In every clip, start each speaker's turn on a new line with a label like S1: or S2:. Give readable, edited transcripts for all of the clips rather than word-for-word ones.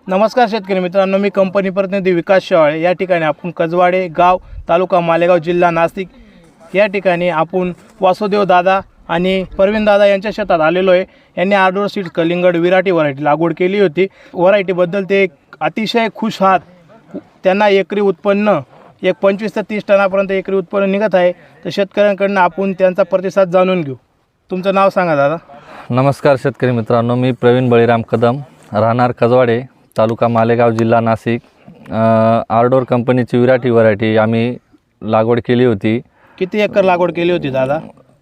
S1: नमस्कार शेतकरी मित्रांनो, मी कंपनी प्रतिनिधी विकास शेवाळे। या ठिकाणी आपण कजवाडे गाव, तालुका मालेगाव, जिल्हा नाशिक या ठिकाणी आपण वासुदेव दादा आणि परवीन दादा यांच्या शेतात आलेलो आहे। यांनी आर्डोर सीड्स कलिंगड विराटी व्हरायटी लागवड केली होती। व्हरायटीबद्दल ते अतिशय खुश आहात। त्यांना एकरी उत्पन्न 25 ते 30 टनापर्यंत एकरी उत्पन्न निघत आहे। तर शेतकऱ्यांकडून आपण त्यांचा प्रतिसाद जाणून घेऊ। तुमचं नाव सांगा दादा।
S2: नमस्कार शेतकरी मित्रांनो, मी प्रवीण बळीराम कदम, राहणार कजवाडे, तालुका मालेगाव, जिल्हा नाशिक। आर्डोर कंपनीची विराटी व्हरायटी आम्ही लागवड केली होती।
S1: किती एकर लागवड केली होती दादा?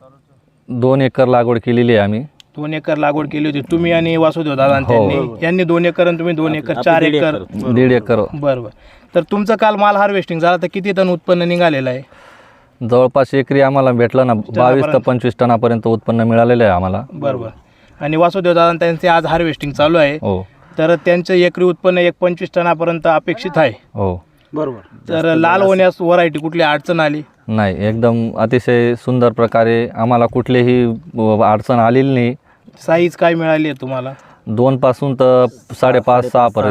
S2: 2 एकर लागवड केलेली आहे आम्ही।
S1: 2 एकर लागवड केली होती तुम्ही आणि वासुदेव दादा यांनी 2 एकर आणि तुम्ही 2 एकर, 4 एकर,
S2: 1.5 एकर।
S1: बरोबर। तर तुमचं काल माल हार्वेस्टिंग झाला तर किती टन उत्पन्न निघालेलं आहे?
S2: जवळपास एकरी आम्हाला भेटलं ना 22 ते 25 टनापर्यंत उत्पन्न मिळालेलं आहे आम्हाला।
S1: बरोबर। आणि वासुदेव दादा त्यांचे आज हार्वेस्टिंग चालू आहे।
S2: हो,
S1: तर त्यांचं एकरी उत्पन्न 25 टनापर्यंत अपेक्षित आहे।
S2: हो,
S1: बरोबर। तर लाल होण्यास व्हरायटी कुठली अडचण आली
S2: नाही, एकदम अतिशय सुंदर प्रकारे आम्हाला कुठलीही अडचण आलेली नाही।
S1: साईज काय मिळाली आहे तुम्हाला?
S2: 2 पासून तर 5.5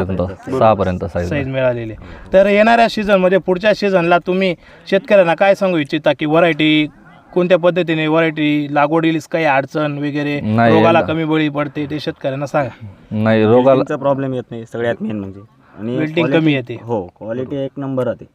S2: 6 पर्यंत
S1: साईज मिळालेली आहे। तर येणाऱ्या सीझनमध्ये पुढच्या सीझनला तुम्ही शेतकऱ्यांना काय सांगू इच्छिता की व्हरायटी कोणत्या पद्धतीने व्हरायटी लागवडीस काही अडचण वगैरे, रोगाला कमी बळी पडते ते शेतकऱ्यांना सांगा।
S2: नाही, रोगाला
S3: प्रॉब्लेम येत नाही सगळ्यात मेन म्हणजे, आणि
S1: बिल्डिंग कमी येते।
S3: हो, क्वालिटी एक नंबर राहते।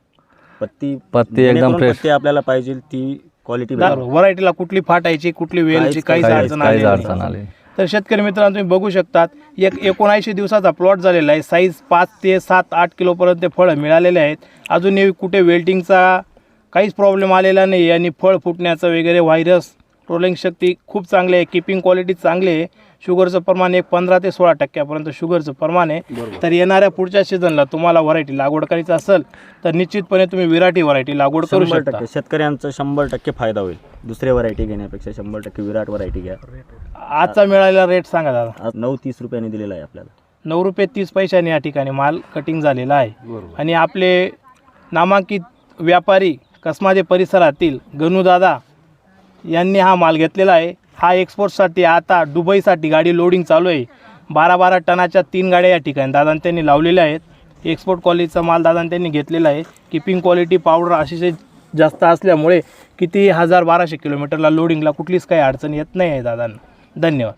S2: पत्ती एकदम फ्रेश,
S3: पत्ती आपल्याला पाहिजे ती क्वालिटी।
S1: व्हरायटीला कुठली फाटायची कुठली वेलची काहीच अडचण आली। तर शेतकरी मित्रांनो, तुम्ही बघू शकतात 79 दिवसाचा प्लॉट झालेला आहे। साईज 5 ते 7-8 किलोपर्यंत फळं मिळालेले आहेत। अजूनही कुठे वेल्टिंगचा काहीच प्रॉब्लेम आलेला नाही आणि फळ फुटण्याचं वगैरे व्हायरस ट्रोलिंग शक्ती खूप चांगली आहे। किपिंग क्वालिटी चांगली आहे। शुगरचं प्रमाण 15 ते 16% शुगरचं प्रमाण आहे। तर येणाऱ्या पुढच्या सीझनला तुम्हाला व्हरायटी लागवड करायची असेल तर निश्चितपणे तुम्ही विराटी व्हरायटी लागवड करू शकता।
S3: शेतकऱ्यांचा 100% फायदा होईल। दुसऱ्या व्हरायटी घेण्यापेक्षा 100% विराट व्हरायटी घ्या।
S1: आजचा मिळालेला रेट सांगा दादा।
S3: आज 9.30 रुपयांनी दिलेला आहे आपल्याला।
S1: 9 रुपये 30 पैशाने या ठिकाणी माल कटिंग झालेला आहे। आणि आपले नामांकित व्यापारी कसमाजे परिसरातील गणूदादा यांनी हा माल घेतलेला आहे। हा एक्सपोर्टसाठी आता दुबईसाठी गाडी लोडिंग चालू आहे। 12 टनाच्या 3 गाड्या या ठिकाणी दादा त्यांनी लावलेल्या आहेत। एक्सपोर्ट क्वालिटीचा माल दादा त्यांनी घेतलेला आहे। किपिंग क्वालिटी पावडर अतिशय जास्त असल्यामुळे किती 1200 किलोमीटरला लोडिंगला कुठलीच काही अडचण येत नाही आहे दादांना। धन्यवाद।